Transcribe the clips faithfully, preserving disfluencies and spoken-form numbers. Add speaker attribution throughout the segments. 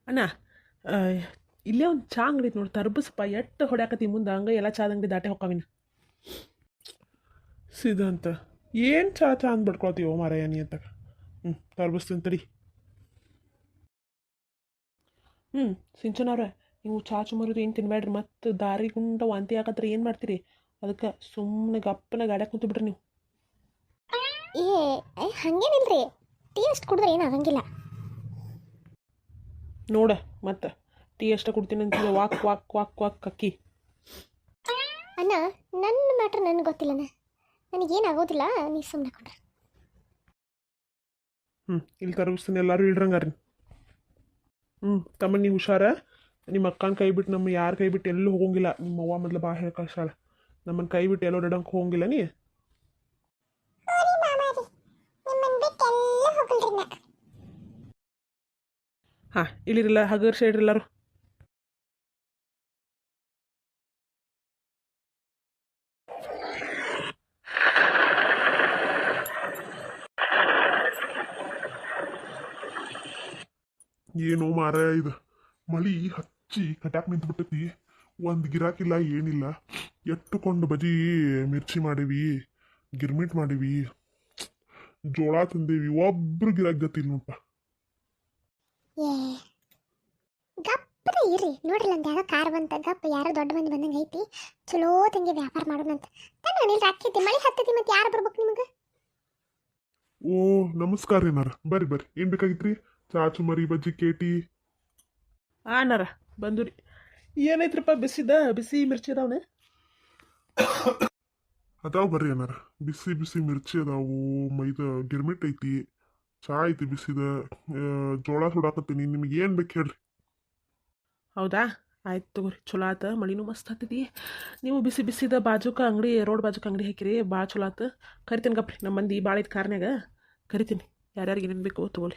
Speaker 1: ಅಣ್ಣ ಆ, ಇಲ್ಲೇ ಒಂದು ಚಾ ಅಂಗಡಿ ಐತೆ ನೋಡಿ ತರ್ಬಸ್ಪ ಎಟ್ಟು ಹೊಡ್ಯಾಕತಿ ಮುಂದೆ ಹಂಗೆ ಎಲ್ಲ ಚಾದ ಅಂಗಡಿ ದಾಟೆ ಹೊಕ್ಕಾವಿನ ಸಿದ್ಧಾಂತ ಏನು ಚಾ ಚಾ ಅಂದ್ ಬಿಡ್ಕೊಳ್ತೀವೋ ಮಾರಾಯ ನೀ ಅಂತ ಹ್ಞೂ ತರ್ಬಸ್ತೀನಿ ತಡಿ ಹ್ಞೂ ಸಿಂಚನವ್ರೆ ನೀವು ಚಾ ಚುಮರುದು ಏನು ತಿನ್ಬೇಡ್ರಿ ಮತ್ತು ದಾರಿ ಗುಂಡ ವಾಂತಿ ಆಗತ್ತರ ಏನು ಮಾಡ್ತೀರಿ ಅದಕ್ಕೆ ಸುಮ್ಮನೆ ಗಪ್ಪನ ಗಾಡ್ಯಾಗ ಕುಂತು ಬಿಡ್ರಿ ನೀವು
Speaker 2: ಏ ಏ, ಹಂಗೇನಿಲ್ರಿ ಟೀ ಅಷ್ಟು ಕುಡಿದ್ರೆ ಏನು ಆಗಂಗಿಲ್ಲ.
Speaker 1: ನೋಡ ಮತ್ತೆ ಟೀ ಅಷ್ಟ ಕೊಡ್ತೀನಿ ಅಂತಿಲ್ಲ ವಾಕ್ ವಾಕ್ ವಾಕ್ ವಾಕ್ ಅಕ್ಕಿ
Speaker 2: ಅಣ್ಣ ನನ್ನ ಮ್ಯಾಟ್ರ್ ನನಗೆ ಗೊತ್ತಿಲ್ಲಣ್ಣ, ನನಗೇನು ಆಗೋದಿಲ್ಲ, ನೀವು ಸುಮ್ಮನೆ ಕೊಂಡ್ರೆ.
Speaker 1: ಹ್ಞೂ ಇಲ್ಲಿ ತರ್ಬಿಸ್ತೀನಿ ಎಲ್ಲರೂ ಇಡ್ರಂಗಾರಿ ಹ್ಞೂ ತಮ್ಮ ನೀವು ಹುಷಾರ ನಿಮ್ಮ ಅಕ್ಕನ ಕೈ ಬಿಟ್ಟು ನಮ್ಮ ಯಾರ ಕೈ ಬಿಟ್ಟು ಎಲ್ಲೂ ಹೋಗಂಗಿಲ್ಲ. ನಿಮ್ಮ ಅವ್ವ ಮೊದಲು ಬಾ ಹೇಳಿ ಕಳ್ಸಾಳ ನಮ್ಮನ್ನು ಕೈ ಬಿಟ್ಟು ಎಲ್ಲೋ ಡಡಂಗೆ ಹೋಗಂಗಿಲ್ಲ ನೀ. ಹಾಂ ಇಲ್ಲಿರಲ್ಲ ಹಗರ್ ಸೈಡ್ ಎಲ್ಲರೂ
Speaker 3: ಏನೋ ಮಾರಾಯ ಇದು ಮಳಿ ಹಚ್ಚಿ ಕಟ್ಯಾಕ್ ನಿಂತ್ಬಿಟ್ಟೈತಿ. ಒಂದು ಗಿರಾಕಿಲ್ಲ ಏನಿಲ್ಲ. ಎಟ್ಟುಕೊಂಡು ಬಜಿ ಮಿರ್ಚಿ ಮಾಡೀವಿ, ಗಿರ್ಮಿಟ್ ಮಾಡೀವಿ, ಜೋಳ ತಂದೇವಿ, ಒಬ್ರು ಗಿರಾಕ್ ಗತಿಲ್ ನೋಡಪ್ಪ.
Speaker 2: ಏ ಗಪ್ಪದ ಇರ್ರಿ ನೋಡ್ರಿ, ನಂದು ಯಾರೋ ಕಾರ್ ಬಂತ, ಗಪ್ಪ ಯಾರೋ ದೊಡ್ಡ ಮಂದಿ ಬಂದಂಗೆ ಐತಿ, ಚಲೋ ತಂಗಿ ವ್ಯಾಪಾರ ಮಾಡೋಣಂತ. ತನ್ನ ನೀರು ಹಾಕೈತಿ, ಮಳೆ ಹತ್ತೈತಿ, ಮತ್ತೆ ಯಾರು ಬರ್ಬೇಕು ನಿಮಗೆ?
Speaker 3: ಓ ನಮಸ್ಕಾರ ಏನಾರ ಬರ್ರಿ ಬರ್ರಿ, ಏನು ಬೇಕಾಗಿತ್ರಿ? ಚಾಚು ಮರಿ ಬಜ್ಜಿ ಕೇಟಿ
Speaker 1: ಆನಾರ ಬಂದು ರೀ. ಏನೈತ್ರಪ್ಪ ಬಿಸಿದ ಬಿಸಿ ಮಿರ್ಚಿ ಅದಾವನೆ
Speaker 3: ಅದಾವ ಬರ್ರಿ ಏನಾರ. ಬಿಸಿ ಬಿಸಿ ಮಿರ್ಚಿ ಅದಾವು, ಮೈದ ಗಿರ್ಮಿಟ್ ಐತಿ, ಚಾ ಐತಿ ಬಿಸಿದ, ಆ, ಜೋಳ ಸುಡಾಕತ್ತೀನಿ. ನಿಮ್ಗೆ ಏನು ಬೇಕು ಹೇಳ್ರಿ.
Speaker 1: ಹೌದಾ ಆಯ್ತು ತಗೋರಿ, ಚಲೋ ಆತ. ಮಳಿನೂ ಮಸ್ತ್ ಹತ್ತಿದಿ. ನೀವು ಬಿಸಿ ಬಿಸಿದ ಬಾಜುಕ ಅಂಗಡಿ ರೋಡ್ ಬಾಜುಕ ಅಂಗಡಿ ಹಾಕಿರಿ, ಭಾಳ ಚಲೋ ಆತು. ಕರಿತೀನಿ ಗಪ್ರಿ, ನಮ್ಮ ಮಂದಿ ಭಾಳ ಐತೆ ಕಾರ್ನ್ಯಾಗ, ಕರಿತೀನಿ. ಯಾರ್ಯಾರಿಗೆ ಏನೇನು ಬೇಕು ತಗೋಳಿ.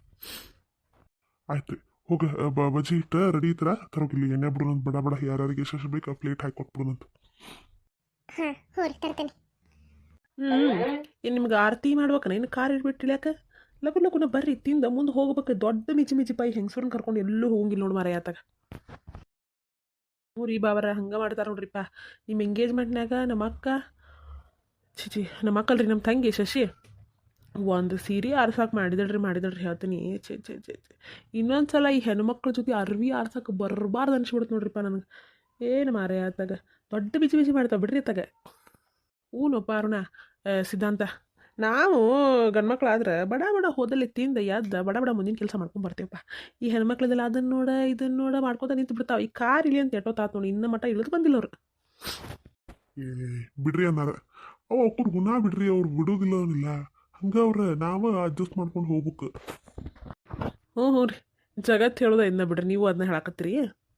Speaker 3: ಆಯ್ತು ರೀ, ಹೋಗ ಬ ಬಜ್ಜಿ ಇಟ್ಟ ರೆಡಿ ಇತ್ರ ತರೋಗಿಲ್ಲಿ ಎಣ್ಣೆ ಬಿಡೋಣಂತ, ಬಡ ಬಡ ಯಾರ್ಯಾರಿಗೆ ಎಷ್ಟು ಬೇಕು ಆ ಪ್ಲೇಟ್ ಹಾಕಿ ಕೊಟ್ಬಿಡೋಣಂತ.
Speaker 2: ಹಾಂ ಹ್ಞೂ ರೀ ತರ್ತೇನೆ.
Speaker 1: ಹ್ಞೂ ಏನು ನಿಮ್ಗೆ ಆರತಿ ಮಾಡ್ಬೇಕನ ಇನ್ನು ಕಾರ್ ಇಟ್ಬಿಟ್ಟು ಇಳ್ಯಾಕ? ಲಗು ಲಗುನ ಬರ್ರಿ, ತಿಂದ ಮುಂದೆ ಹೋಗ್ಬೇಕು. ದೊಡ್ಡ ಮಿಚಿ ಮಿಚಿ ಪೈ ಹೆಂಗಸೂರನ್ನ ಕರ್ಕೊಂಡು ಎಲ್ಲೂ ಹೋಗಂಗಿಲ್ಲ ನೋಡಿ ಮಾರ ಆತಾಗ. ಹ್ಞೂ ರೀ ಬಾವರ ಹಂಗೆ ಮಾಡ್ತಾರೆ ನೋಡ್ರಿಪ್ಪ. ನಿಮ್ಮ ಎಂಗೇಜ್ಮೆಂಟ್ನಾಗ ನಮ್ಮ ಅಕ್ಕ ಚಿಚಿ ನಮ್ಮ ಅಕ್ಕಲ್ರಿ ನಮ್ಮ ತಂಗಿ ಶಶಿ ಒಂದು ಸೀರೆ ಆರ್ಸಕ್ಕೆ ಮಾಡಿದಳ್ರಿ ಮಾಡಿದಳ್ರಿ ಹೇಳ್ತೀನಿ. ಚೆ ಚೆ ಚೆ ಚೆ ಇನ್ನೊಂದು ಸಲ ಈ ಹೆಣ್ಮಕ್ಳ ಜೊತೆ ಅರ್ವಿ ಆರ್ಸಕ್ಕೆ ಬರಬಾರ್ದು ಅನ್ಸ್ಬಿಡುತ್ತೆ ನೋಡ್ರಿಪ್ಪ ನನಗೆ. ಏನು ಮಾರೇ ಆತಾಗ ದೊಡ್ಡ ಬಿಚಿ ಬಿಚಿ ಮಾಡ್ತಾವೆ ಬಿಡ್ರಿ ಆತಾಗ. ಹ್ಞೂನಪ್ಪ ಅರುಣ ಸಿದ್ಧಾಂತ, ನಾವು ಗಂಡ್ಮಕ್ಳಾದ್ರೆ ಬಡ ಬಡ ಹೋದಲ್ಲಿ ತಿಂದ ಎದ್ದ ಬಡ ಬಡ ಮುಂದಿನ ಕೆಲಸ ಮಾಡ್ಕೊಂಡು ಬರ್ತೀವಪ್ಪ. ಈ ಹೆಣ್ಮಕ್ಳದೆಲ್ಲ ಅದನ್ನು ನೋಡ ಇದನ್ನು ನೋಡ ಮಾಡ್ಕೊತ ನಿಂತು ಬಿಡ್ತಾವೆ. ಈ ಕಾರ್ ಇಳಿ ಅಂತ ಎಟ್ಟೋತಾತು ನೋಡಿ, ಇನ್ನ ಮಟ್ಟ ಇಳಿದು ಬಂದಿಲ್ಲ ಅವ್ರು.
Speaker 3: ಏ ಬಿಡ್ರಿ ಅನ್ನಾರ, ಅವು ಅವ್ರ ಗುಣ ಬಿಡ್ರಿ, ಅವ್ರು ಬಿಡೋದಿಲ್ಲ ಅವನಿಲ್ಲ. ಹಂಗ ಅವ್ರ ನಾವ ಅಡ್ಜಸ್ಟ್ ಮಾಡ್ಕೊಂಡು ಹೋಗ್ಬೇಕು.
Speaker 1: ಹ್ಞೂ ಹ್ಞೂ ರೀ, ಜಗತ್ತು ಹೇಳೋದ ಇನ್ನ ಬಿಡ್ರಿ, ನೀವು ಅದನ್ನ ಹೇಳಕತ್ತೀರಿ.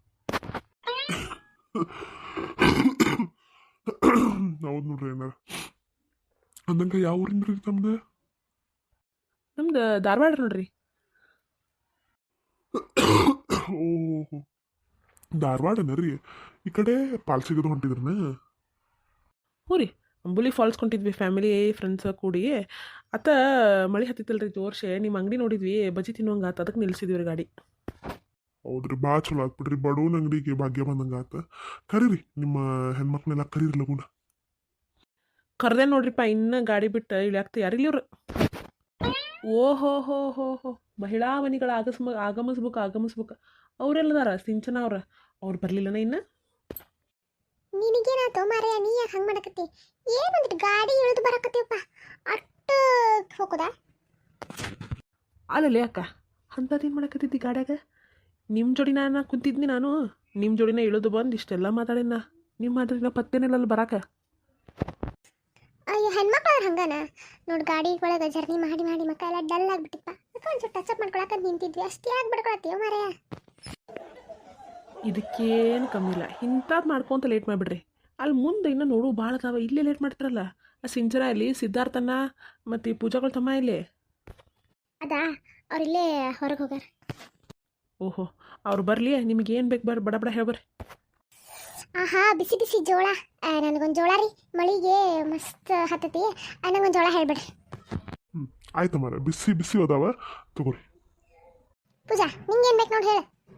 Speaker 3: ಹೌದು ನೋಡ್ರಿ ಏನಾರ. ಅಂದಂಗ ಯಾವ ಊರಿಂದ ರೀ ತಮ್ದು?
Speaker 1: ನಮ್ದು ಧಾರವಾಡ ನೋಡ್ರಿ.
Speaker 3: ಓಹೋ ಧಾರವಾಡನ ರೀ. ಈ ಕಡೆ ಪಾಲ್ಸಿಗದು ಹೊಂಟಿದ್ರನ?
Speaker 1: ಹ್ಞೂ ರೀ, ಅಂಬುಲಿ ಫಾಲ್ಸ್ ಕೊಂಡಿದ್ವಿ ಫ್ಯಾಮಿಲಿ ಫ್ರೆಂಡ್ಸ್ ಕೂಡಿ. ಅತ್ತ ಮಳೆ ಹತ್ತಿತ್ತಲ್ರಿ ಜೋರ್ಸೆ, ನಿಮ್ಮ ಅಂಗಡಿ ನೋಡಿದ್ವಿ, ಬಜ್ಜಿ ತಿನ್ನುವಂಗೆ ಆತ, ಅದಕ್ಕೆ ನಿಲ್ಸಿದ್ವಿ ರೀ ಗಾಡಿ.
Speaker 3: ಹೌದ್ರಿ, ಭಾಳ ಚಲೋ ಆತ್ ಬಿಡ್ರಿ, ಬಡವನ ಅಂಗಡಿಗೆ ಭಾಗ್ಯ ಬಂದಂಗೆ ಆತ. ಕರೀರಿ ನಿಮ್ಮ ಹೆಣ್ಮಕ್ಳೆಲ್ಲ ಕರೀರಿ ಲಗುನ.
Speaker 1: ಕರ್ದೆ ನೋಡ್ರಿಪ್ಪ, ಇನ್ನು ಗಾಡಿ ಬಿಟ್ಟು ಇಳಿಯಾಕ್ತ ಯಾರಿಲ್ಲ ಇವ್ರು. ಓಹೋ ಹೋ ಹೋ ಹೋ ಮಹಿಳಾ ಮನಿಗಳ ಆಗಸ್ಮ ಆಗಮಿಸ್ಬೇಕು ಆಗಮಿಸ್ಬೇಕು ಅವರೆಲ್ಲದಾರ ಸಿಂಚನ ಅವ್ರ ಅವ್ರು ಬರಲಿಲ್ಲನ ಇನ್ನು.
Speaker 2: ನಿನಗೇನಾಯ್ತು ಮಾರಯ್ಯ, ನೀ ಯಾಕೆ ಹಂಗೆ ಮಾಡಕತ್ತಿ? ಏನಂದ್ರೆ ಗಾಡಿ ಇಳಿದು ಬರಕತ್ತೀವಪ್ಪ, ಅಷ್ಟು ಹೋಗೋದಾ?
Speaker 1: ಅಲ್ಲಲ್ಲಿ ಅಕ್ಕ ಅಂಥದ್ದೇನು ಮಾಡಕತ್ತಿದ್ದಿ ಗಾಡ್ಯಾಗ? ನಿಮ್ಮ ಜೋಡಿನ ನಾನು ಕುಂತಿದ್ನಿ, ನಾನು ನಿಮ್ಮ ಜೋಡಿನ ಇಳಿದು ಬಂದು ಇಷ್ಟೆಲ್ಲ ಮಾತಾಡಿನ. ನಿಮ್ಮ ಮಾತಾಡಿನ ಪತ್ತೇನಿಲ್ಲ ಅಲ್ಲಿ ಬರಾಕ.
Speaker 2: ಅಯ್ಯೋ ಹೆಣ್ಮಕ್ಳು ಅವ್ರು ಹಂಗನ ನೋಡಿ, ಗಾಡಿ ಒಳಗೆ ಜರ್ನಿ ಮಾಡಿ ಮಾಡಿ ಮಕ್ಕ ಎಲ್ಲ ಡಲ್ ಆಗಿಬಿಟ್ಟಿಪ್ಪ. ಅದಕ್ಕೆ ಒಂದು ಸ್ವಲ್ಪ ಟಚ್ ಅಪ್ ಮಾಡ್ಕೊಳಕ್ಕೆ ನಿಂತಿದ್ವಿ ಅಷ್ಟೇ. ಯಾಕೆ ಬಿಡ್ಕೊಳತ್ತೀವ ಮಾರಯ್ಯ?
Speaker 1: ಇದಕ್ಕೇನು ಕಮ್ಮಿ ಇಲ್ಲ, ಇಂಥದ್ದು ಮಾಡ್ಕೊಂತ ಲೇಟ್ ಮಾಡಿಬಿಡ್ರಿ. ಅಲ್ಲಿ ಮುಂದೆ ಇನ್ನೂ ನೋಡು ಭಾಳ ಅದಾವ, ಇಲ್ಲೇ ಲೇಟ್ ಮಾಡ್ತಾರಲ್ಲ. ಆ ಸಿಂಚನ ಇಲ್ಲಿ, ಸಿದ್ಧಾರ್ಥನ ಮತ್ತು ಈ ಪೂಜಾಗಳ ತಮ್ಮ ಇಲ್ಲಿ.
Speaker 2: ಅದಾ ಅವ್ರಿಲ್ಲೇ ಹೊರಗೆ ಹೋಗ್ಯಾರ. ಓಹೋ
Speaker 1: ಅವ್ರು ಬರಲಿ, ನಿಮ್ಗೆ ಏನು ಬೇಕು ಬರ್ರಿ, ಬಡ ಬಡ ಹೇಳ್ಬರ್ರಿ.
Speaker 2: ಆಹಾ ಬಿಸಿ ಬಿಸಿ ಜೋಳ, ನನಗೊಂದು ಜೋಳ ರೀ, ಮಳಿಗೆ ಮಸ್ತ್ ಹತ್ತತಿ, ನನಗೊಂದು ಜೋಳ ಹೇಳ್ಬಿಡ್ರಿ.
Speaker 3: ಹ್ಞೂ ಆಯ್ತು ಮಾರ, ಬಿಸಿ ಬಿಸಿ ಅದಾವ ತಗೋರಿ.
Speaker 2: ಪೂಜಾ ನಿಂಗೇನು ಬೇಕು ನೋಡಿ ಹೇಳು.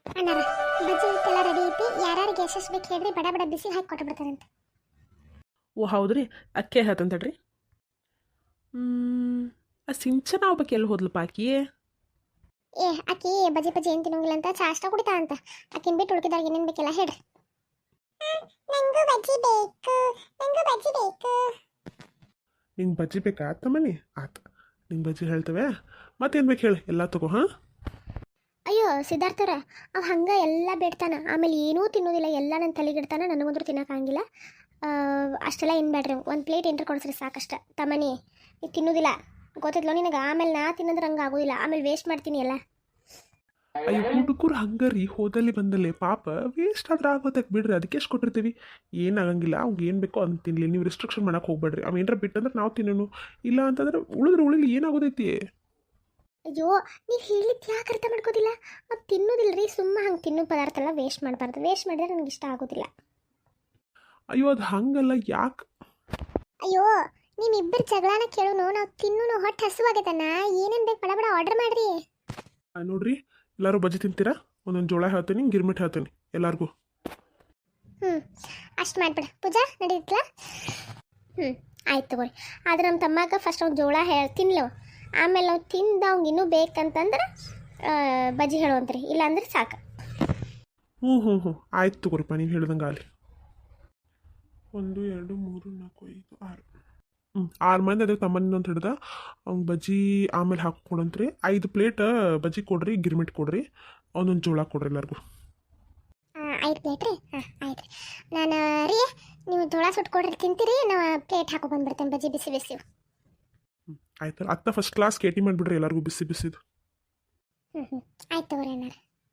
Speaker 2: ಅಣ್ಣಾರ ಬಜ್ಜಿ ಹಿಟ್ಟೆಲ್ಲ ರೆಡಿ ಐತಿ ಯಾರ್ಯಾರಿಗೆ ಎಷ್ಟೆಷ್ಟು ಬೇಕು ಹೇಳ್ರಿ ಬಡ ಬಡ ಬಿಸಿ ಹಾಕಿ ಕೊಟ್ಟು ಬಿಡ್ತಾರಂತೆ.
Speaker 1: ಓ ಹೌದ್ರಿ ಅಕ್ಕೆ ಹೇಳ್ತಂತಡ್ರಿ. ಹ್ಞೂ ಆ ಸಿಂಚನ ಒಬ್ಬಕ್ಕೆ ಎಲ್ಲಿ ಹೋದ್ಲಪ್ಪ ಆಕಿ?
Speaker 2: ಏ ಆಕಿ ಬಜ್ಜಿ ಬಜ್ಜಿ ಏನು ತಿನ್ನೋಂಗಿಲ್ಲ ಅಂತ ಚಾ ಅಷ್ಟ ಕುಡಿತಾ ಅಂತ. ಆಕಿನ ಬಿಟ್ಟು ಉಳ್ಕಿದಾಗ ಏನೇನು ಬೇಕಿಲ್ಲ ಹೇಳ್ರಿ. ನಂಗೂ ಬಜ್ಜಿ ಬೇಕು, ನಂಗೂ ಬಜ್ಜಿ ಬೇಕು.
Speaker 3: ನಿಂಗೆ ಬಜ್ಜಿ ಬೇಕಾ ತಮ್ಮನಿ? ಆತ ನಿಂಗೆ ಬಜ್ಜಿ ಹೇಳ್ತೇವೆ. ಮತ್ತೇನು ಬೇಕು ಹೇಳಿ ಎಲ್ಲ ತಗೋ. ಹಾಂ
Speaker 2: ಅಯ್ಯೋ ಸಿದ್ಧಾರ್ಥರ ಅವ ಹಂಗೆ ಎಲ್ಲ ಬೇಡ್ತಾನ, ಆಮೇಲೆ ಏನೂ ತಿನ್ನೋದಿಲ್ಲ, ಎಲ್ಲ ನನ್ನ ತಲೆಗಿಡ್ತಾನ, ನನಗಂದ್ರೂ ತಿನ್ನೋಕ್ಕಾಗಿಲ್ಲ. ಅಷ್ಟೆಲ್ಲ ಏನು ಬೇಡ್ರಿ, ಒಂದು ಪ್ಲೇಟ್ ಎಂಟ್ರ್ ಕೊಡಿಸ್ರಿ ಸಾಕಷ್ಟ. ತಮ್ಮನಿ ಇದು ತಿನ್ನೋದಿಲ್ಲ ಗೊತ್ತಿದ್ಲೋ ನಿನಗೆ, ಆಮೇಲೆ ನಾ ತಿನ್ನೋದ್ರೆ ಹಂಗೆ ಆಗೋದಿಲ್ಲ, ಆಮೇಲೆ ವೇಸ್ಟ್ ಮಾಡ್ತೀನಿ ಎಲ್ಲ.
Speaker 3: ಅಯ್ಯೋ ಹುಡುಗರು ಹಂಗರಿ ಹೋದಲ್ಲಿ ಬಂದಲ್ಲೇ ಪಾಪ ವೇಸ್ಟ್ ಆದ್ರೆ ಆಗೋದಕ್ಕೆ ಬಿಡ್ರಿ, ಅದಕ್ಕೆ ಎಷ್ಟು ಕೊಟ್ಟಿರ್ತೀವಿ, ಏನಾಗಂಗಿಲ್ಲ. ಅವ್ಗೆ ಏನು ಬೇಕೋ ಅಂತ ತಿನ್ನಲಿ, ನೀವು ರಿಸ್ಟ್ರಿಕ್ಷನ್ ಮಾಡಕ್ಕೆ ಹೋಗ್ಬೇಡ್ರಿ. ಅವು ಏನಾರ ಬಿಟ್ಟಂದ್ರೆ ನಾವು ತಿನ್ನೋನು, ಇಲ್ಲ ಅಂತಂದ್ರೆ ಉಳಿದ್ರೆ ಉಳಿಲಿ ಏನಾಗೋದೈತಿ.
Speaker 2: ಅಯ್ಯೋ ನೀವು ಹೇಳಿದ್ದು ಯಾಕೆ ಅರ್ಥ ಮಾಡ್ಕೋದಿಲ್ಲ? ಅದು ತಿನ್ನೋದಿಲ್ಲ ರೀ, ಸುಮ್ಮ ಹಂಗೆ ತಿನ್ನೋ ಪದಾರ್ಥ ಎಲ್ಲ ವೇಸ್ಟ್ ಮಾಡಬಾರ್ದು, ವೇಸ್ಟ್ ಮಾಡಿದ್ರೆ ನನಗೆ ಇಷ್ಟ ಆಗೋದಿಲ್ಲ.
Speaker 3: ಅಯ್ಯೋ ಅದು ಹಂಗಲ್ಲ, ಯಾಕೆ?
Speaker 2: ಅಯ್ಯೋ ನಿಮ್ಮಿಬ್ಬರು ಜಗಳನ ಕೇಳೋನು, ನಾವು ತಿನ್ನೋನು, ಹೊಟ್ಟೆ ಹಸುವಾಗೈತಣ್ಣ, ಏನೇನು ಬೇಕು ಬಡ ಬಡ ಆರ್ಡರ್ ಮಾಡಿರಿ.
Speaker 3: ನೋಡ್ರಿ ಎಲ್ಲರೂ ಬಜ್ಜಿ ತಿಂತೀರಾ? ಒಂದೊಂದು ಜೋಳ ಹೇಳ್ತೀನಿ, ಗಿರ್ಮಿಟ್ ಹೇಳ್ತೀನಿ ಎಲ್ಲರಿಗೂ.
Speaker 2: ಹ್ಞೂ ಅಷ್ಟು ಮಾಡಿಬಿಡ ಪೂಜಾ, ನಡೀತಲ್ಲ. ಹ್ಞೂ ಆಯ್ತು ತಗೋರಿ. ಆದ್ರೆ ನಮ್ಮ ತಮ್ಮಾಗ ಫಸ್ಟ್ ಅವ್ನು ಜೋಳ ಹೇಳಿ ತಿನ್ಲವ, ಆಮೇಲೆ ನಾವು ತಿಂದು ಅವ್ಗೆ ಇನ್ನೂ ಬೇಕಂತಂದ್ರೆ ಬಜ್ಜಿ ಹೇಳುವಂತ್ರಿ, ಇಲ್ಲಾಂದ್ರೆ ಸಾಕು.
Speaker 3: ಹ್ಞೂ ಹ್ಞೂ ಹ್ಞೂ ಆಯ್ತು ತಗೋರಿಪ್ಪ, ನೀವು ಹೇಳ್ದಂಗೆ ಆಗಲಿ. ಒಂದು ಎರಡು ಮೂರು ನಾಲ್ಕು ಐದು ಆರು ಹ್ಞೂ ಆರು ಮಂದಿ ಅದೇ ತಮ್ಮನಿಂದ ಅಂತ ಹಿಡ್ದ ಅವ್ನು ಬಜ್ಜಿ ಆಮೇಲೆ ಹಾಕ್ಕೊಡಂತ್ರಿ. ಐದು ಪ್ಲೇಟ್ ಬಜ್ಜಿ ಕೊಡ್ರಿ, ಗಿರ್ಮಿಟ್ ಕೊಡ್ರಿ, ಒಂದೊಂದು ಜೋಳ ಕೊಡ್ರಿ ಎಲ್ಲರಿಗೂ.
Speaker 2: ಐದು ಪ್ಲೇಟ್ ರೀ? ಹಾಂ ಆಯ್ತು ರೀ. ನಾನು ರೀ ನೀವು ಜೋಳ ಸುಟ್ಕೊಡ್ರಿ ತಿಂತೀರಿ, ನಾವು ಪ್ಲೇಟ್ ಹಾಕೋ ಬಂದ್ಬಿಡ್ತೇನೆ ಬಜ್ಜಿ ಬಿಸಿ ಬಿಸಿ.
Speaker 3: ಹ್ಞೂ ಆಯ್ತು ಅತ್ತ ಫಸ್ಟ್ ಕ್ಲಾಸ್ ಕೇಟಿ ಮಾಡಿಬಿಡ್ರಿ ಎಲ್ಲರಿಗೂ ಬಿಸಿ ಬಿಸಿದು.
Speaker 2: ಹ್ಞೂ ಹ್ಞೂ ಆಯ್ತು ತಗೋರಿ ಅಣ್ಣಾರ.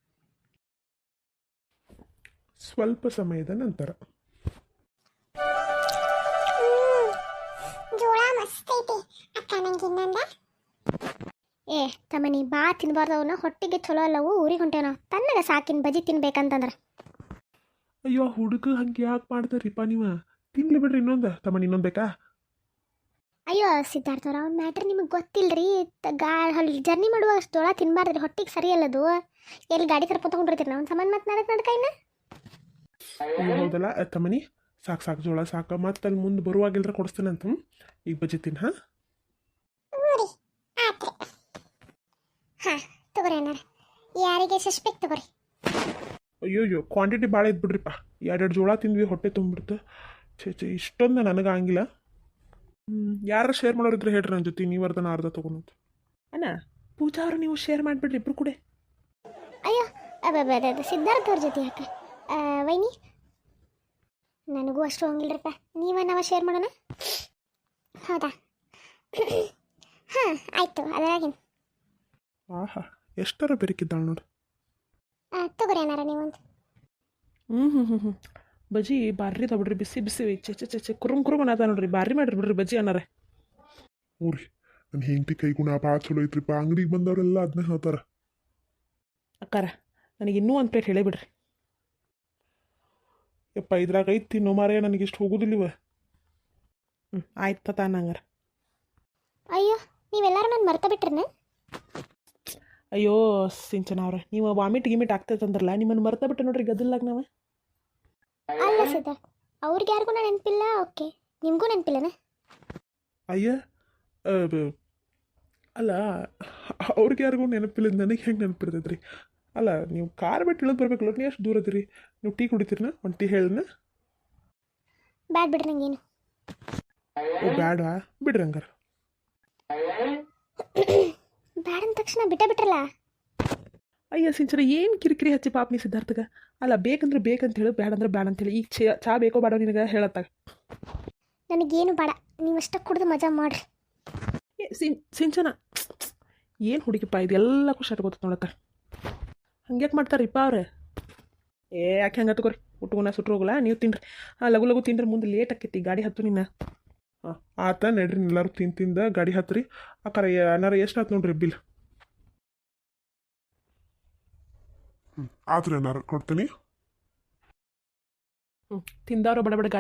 Speaker 3: ಸ್ವಲ್ಪ ಸಮಯದ ನಂತರ
Speaker 2: ಜೋಳ ಮಸ್ತ್ ಐತಿ ಅಕ್ಕ, ನಂಗೆ ಇನ್ನೊಂದ. ಏ ತಮ್ಮನಿ ಬಾ ತಿನ್ಬಾರ್ದವನ್ನ, ಹೊಟ್ಟಿಗೆ ಚಲೋ ಅಲ್ಲವು, ಊರಿಗೆ ಹೊಂಟೇನೋ ತನ್ನಗ ಸಾಕಿನ ಬಜ್ಜಿ ತಿನ್ಬೇಕಂತಂದ್ರೆ.
Speaker 3: ಅಯ್ಯೋ ಹುಡುಗ ಹಂಗೆ ಯಾಕೆ ಮಾಡ್ತಾರಿಪ್ಪ ನೀವು? ತಿನ್ಲಿ ಬಿಡ್ರಿ ಇನ್ನೊಂದು. ತಮ್ಮನ ಇನ್ನೊಂದು ಬೇಕಾ?
Speaker 2: ಅಯ್ಯೋ ಸಿದ್ಧಾರ್ಥವ್ರ ಅವ್ನ ಮ್ಯಾಟ್ರ್ ನಿಮಗೆ ಗೊತ್ತಿಲ್ಲರಿ. ಗಾ ಅಲ್ಲಿ ಜರ್ನಿ ಮಾಡುವ ಅಷ್ಟು ಜೋಳ ತಿನ್ಬಾರ್ದ್ರಿ, ಹೊಟ್ಟಿಗೆ ಸರಿ ಅಲ್ಲದು. ಎಲ್ಲಿ ಗಾಡಿ ಕರ್ಕೊಂಡು ತೊಗೊಂಡಿರ್ತೀರಿ ನಾವು ಸಮಾನ ಮತ್ತೆ ನಡಕ್ ನಡ್ಕೈನ.
Speaker 3: ಅಯ್ಯೋ ಹೌದಲ್ಲ ತಮ್ಮನಿ, ಸಾಕು ಸಾಕು ಜೋಳ ಸಾಕು, ಮತ್ತೆ ಅಲ್ಲಿ ಮುಂದೆ ಬರುವಾಗಿಲ್ರ ಕೊಡಿಸ್ತೇನೆ ಅಂತ. ಈಗ ಬಜ್ಜಿ ತಿನ್. ಹಾಂ
Speaker 2: ಹಾಂ ತಗೋರಿ ಅಣ್ಣಾರ, ಯಾರಿಗೆ ಸಸ್ಪೆಕ್ಟ್ ತಗೋರಿ.
Speaker 3: ಅಯ್ಯೋ ಅಯ್ಯೋ ಕ್ವಾಂಟಿಟಿ ಭಾಳ ಇದ್ದು ಬಿಡ್ರಿಪ್ಪ, ಎರಡೆರಡು ಜೋಳ ತಿಂದ್ವಿ, ಹೊಟ್ಟೆ ತುಂಬಿಡ್ತು. ಛೇ ಛೇ ಇಷ್ಟೊಂದು ನನಗೆ ಆಗಿಲ್ಲ. ಹ್ಞೂ ಯಾರು ಶೇರ್ ಮಾಡೋರಿದ್ರೆ ಹೇಳ್ರಿ ನನ್ನ ಜೊತೆ, ನೀವು ಅರ್ಧನ ಅರ್ಧ ತೊಗೊಂಡು.
Speaker 1: ಅಣ್ಣ ಪೂಜಾ ಅವರು ನೀವು ಶೇರ್ ಮಾಡಿಬಿಡ್ರಿ ಇಬ್ರು ಕೂಡ.
Speaker 2: ಅಯ್ಯೋ ಅಬ್ಬ ಸಿದ್ಧಾರ್ಥ ಅವ್ರ ಜೊತೆ ಯಾಕೆ ವೈನಿ? ನನಗೂ ಅಷ್ಟು ಹೋಗಿಲ್ರಪ್ಪ, ನೀವ ನಾವು ಶೇರ್ ಮಾಡೋಣ. ಹೌದಾ? ಹಾಂ ಆಯಿತು, ಅದರಾಗೇನು.
Speaker 3: ಆಹಾ ಎಷ್ಟರ ಬೆರಕಿದ್ದಾಳೆ ನೋಡಿ.
Speaker 2: ತಗೋರಿ ಅನ್ನಾರ ನೀವೊಂದು.
Speaker 1: ಹ್ಞೂ ಹ್ಞೂ ಹ್ಞೂ ಹ್ಞೂ ಬಜ್ಜಿ ಬಾರ್ರಿ ತಗೊಬಿಡ್ರಿ, ಬಿಸಿ ಬಿಸಿ ಚೆ ಚೆ ಚೆ ಚೆ ಕುರುಮ್ ಕುರುಮ್ ಅನ್ನತ ನೋಡ್ರಿ, ಬಾರಿ ಮಾಡಿರಿ ಬಿಡ್ರಿ ಬಜ್ಜಿ ಅನ್ನಾರ.
Speaker 3: ಹ್ಞೂ ರೀ, ನನ್ನ ಹೆಂಡತಿ ಕೈಗುಣ ಭಾಳ ಚಲೋ ಐತ್ರಿಪ್ಪ, ಅಂಗಡಿಗೆ ಬಂದವರೆಲ್ಲ ಅದನ್ನೇ ಹೇಳ್ತಾರೆ.
Speaker 1: ಅಕ್ಕಾರ ನನಗೆ ಇನ್ನೂ ಒಂದು ಪ್ಲೇಟ್ ಹೇಳೇ ಬಿಡ್ರಿ.
Speaker 3: ಯಪ್ಪ ಇದ್ರಾಗ ಐತಿ ತಿನ್ನೋ ಮಾರೇ, ನನಗೆ ಇಷ್ಟು ಹೋಗೋದಿಲ್ಲಿವ.
Speaker 1: ಹ್ಞೂ ಆಯ್ತು ತಾನ ಹಂಗಾರ.
Speaker 2: ಅಯ್ಯೋ ನೀವೆಲ್ಲರೂ ನಾನು ಮರ್ತ ಬಿಟ್ರನ?
Speaker 1: ಅಯ್ಯೋ ಸಿಂಚನ ಅವ್ರೆ, ನೀವು ವಾಮಿಟ್ ಗಿಮಿಟ್ ಆಗ್ತೈತಂದ್ರಲ್ಲ, ನಿಮ್ಮನ್ನು ಮರ್ತ ಬಿಟ್ಟು ನೋಡ್ರಿ ಗದ್ದಲ್ಲಾಗ ನಾವು.
Speaker 2: ಅಲ್ಲ ಸಿದ್ಧಾರ್ಥ, ಅವ್ರಿಗೆ ಯಾರಿಗೂ ನಾನು ನೆನಪಿಲ್ಲ. ಓಕೆ ನಿಮಗೂ ನೆನಪಿಲ್ಲನ?
Speaker 3: ಅಯ್ಯ ಅಲ್ಲ ಅವ್ರಿಗೆ ಯಾರಿಗೂ ನೆನಪಿಲ್ಲ, ನನಗೆ ಹೆಂಗೆ ನೆನಪಿರ್ತೈತೆ ರೀ? ಅಲ್ಲ ನೀವು ಕಾರ್ ಬಿಟ್ಟು ಇಳಿದು ಬರ್ಬೇಕಲ್ಲ, ನೀವು ಎಷ್ಟು ದೂರ ಅದಿರಿ? ನೀವು ಟೀ ಕುಡಿತೀರನ? ಒಂದು ಟೀ ಹೇಳಿನ?
Speaker 2: ಬ್ಯಾಡ್ ಬಿಡ್ರಿ ನಂಗೇನು.
Speaker 3: ಓ ಬ್ಯಾಡ ಬಿಡ್ರಿ ಹಂಗಾರ.
Speaker 2: ಬ್ಯಾಡ ಅಂದ ತಕ್ಷಣ ಬಿಟ್ಟ ಬಿಟ್ರಲ್ಲ.
Speaker 1: ಅಯ್ಯ ಸಿಂಚನ ಏನು ಕಿರಿಕಿರಿ ಹಚ್ಚಿ ಪಾಪ ನೀ ಸಿದ್ಧಾರ್ಥಗ. ಅಲ್ಲ ಬೇಕಂದ್ರೆ ಬೇಕಂತ ಹೇಳು, ಬ್ಯಾಡ ಅಂದ್ರೆ ಬ್ಯಾಡ ಅಂತೇಳಿ. ಈಗ ಚಾ ಚಾ ಬೇಕೋ ಬೇಡೋ ನಿನಗೆ ಹೇಳತ್ತಾಗ.
Speaker 2: ನನಗೇನು ಬೇಡ, ನೀವಷ್ಟ ಕುಡ್ದು ಮಜಾ ಮಾಡ್ರಿ.
Speaker 1: ಏ ಸಿನ್ ಸಿಂಚನ ಏನು ಹುಡುಗಿಪ್ಪ ಇದೆಲ್ಲ ಖುಷಿ ಆಟ್ಕೋತ ನೋಡತ್ತ. ಹಂಗ್ಯಾಕೆ ಮಾಡ್ತಾರಿಪ್ಪ ಅವ್ರೆ? ಏ ಯಾಕೆ ಹಂಗೆ ತಗೋರಿ, ಊಟಗುನ ಸುಟ್ರು ಹೋಗಲ್ಲ, ನೀವು ತಿನ್ರಿ. ಹಾಂ ಲಗು ಲಗು ತಿನ್ರಿ, ಮುಂದೆ ಲೇಟ್ ಆಕೈತಿ, ಗಾಡಿ ಹತ್ತು ನಿನ್ನ.
Speaker 3: ಹಾಂ ಆತ ನಡ್ರಿ, ಎಲ್ಲರೂ ತಿಂದು ತಿಂದ ಗಾಡಿ ಹತ್ರಿ. ಅಕ್ಕಾರ ಏನಾರ ಎಷ್ಟು ಆತು ನೋಡ್ರಿ ಬಿಲ್. ಹ್ಞೂ ಆತ್ರಿ ಏನಾರು ಕೊಡ್ತೀನಿ.
Speaker 1: ಹ್ಞೂ ತಿಂದವ್ರು ಬಡ ಬಡ ಗಾಡಿ.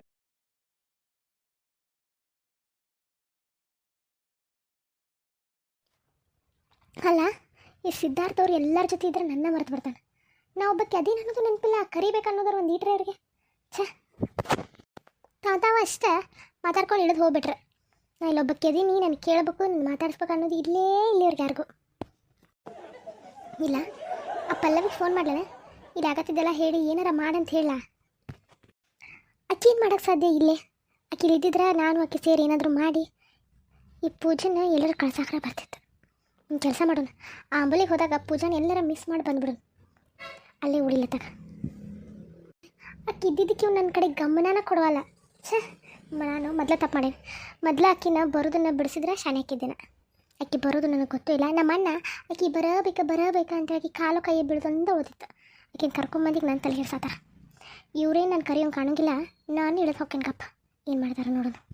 Speaker 2: ಅಲ್ಲ ಈ ಸಿದ್ಧಾರ್ಥ ಅವ್ರು ಎಲ್ಲರ ಜೊತೆ ಇದ್ರೆ ನನ್ನ ಮರೆತು ಬಿಡ್ತಾನೆ. ನಾ ಒಬ್ಬಕ್ಕೆ ಅದೇನು ಅನ್ನೋದು ನೆನಪಿಲ್ಲ, ಕರಿಬೇಕು ಅನ್ನೋದ್ರ ಒಂದು ಈಟ್ರೆ ಅವ್ರಿಗೆ. ಛೇ, ತಾವು ತಾವು ಅಷ್ಟೇ ಮಾತಾಡ್ಕೊಂಡು ಇಳಿದು ಹೋಗ್ಬಿಟ್ರೆ. ನಾ ಇಲ್ಲೊಬ್ಬಕ್ಕೆ ಅದೀನಿ, ನಾನು ಕೇಳಬೇಕು, ನಾನು ಮಾತಾಡಿಸ್ಬೇಕು ಅನ್ನೋದು ಇಲ್ಲೇ ಇಲ್ಲಿವ್ರಿಗೆ ಯಾರಿಗೂ ಇಲ್ಲ. ಆ ಪಲ್ಲವಿಗೆ ಫೋನ್ ಮಾಡ್ಲೇನೆ, ಇದಾಗತ್ತಿದ್ದೆಲ್ಲ ಹೇಳಿ ಏನಾರ ಮಾಡಂತ ಹೇಳ. ಅಕ್ಕಿ ಏನು ಮಾಡೋಕ್ಕೆ ಸಾಧ್ಯ ಇಲ್ಲೇ. ಆಕೆ ಇದ್ದಿದ್ರೆ ನಾನು ಆಕೆ ಸೇರಿ ಏನಾದರೂ ಮಾಡಿ ಈ ಪೂಜೆನ ಎಲ್ಲರೂ ಕಳ್ಸಾಕ್ರೆ ಬರ್ತಿತ್ತು. ಒಂದು ಕೆಲಸ ಮಾಡೋಣ, ಆ ಅಂಬಲಿಗೆ ಹೋದಾಗ ಪೂಜಾನ ಎಲ್ಲರ ಮಿಸ್ ಮಾಡಿ ಬಂದ್ಬಿಡೋಣ, ಅಲ್ಲೇ ಉಳಿಲತ್ತಾಗ. ಆಕೆ ಇದ್ದಿದ್ದಕ್ಕೆ ಇವ್ನು ನನ್ನ ಕಡೆ ಗಮನನ ಕೊಡವಲ್ಲ. ಛೇ, ನಾನು ಮೊದಲೇ ತಪ್ಪು ಮಾಡೇನೆ. ಮೊದಲು ಆಕಿನ ಬರೋದನ್ನು ಬಿಡಿಸಿದ್ರೆ ಶಾನೆ ಹಾಕಿದ್ದೇನೆ. ಆಕೆ ಬರೋದು ನನಗೆ ಗೊತ್ತೂ ಇಲ್ಲ. ನಮ್ಮ ಅಣ್ಣ ಆಕೆ ಬರಬೇಕಾ ಬರಬೇಕಾ ಅಂತ ಆಕೆ ಕಾಲು ಕೈ ಬೀಳ್ದಂದ ಓದಿತ್ತು. ಆಕಿನ ಕರ್ಕೊಂಬಂದಿಗೆ ನಾನು ತಲೆ ಹಿಡ್ಸಾತಾರ. ಇವರೇ ನಾನು ಕರೆಯೋಂಗೆ ಕಾಣೋಂಗಿಲ್ಲ. ನಾನು ಇಳಿದು ಹೋಗ್ತೇನೆ ಗಪ್ಪ, ಏನು ಮಾಡ್ತಾರೆ ನೋಡೋಣ.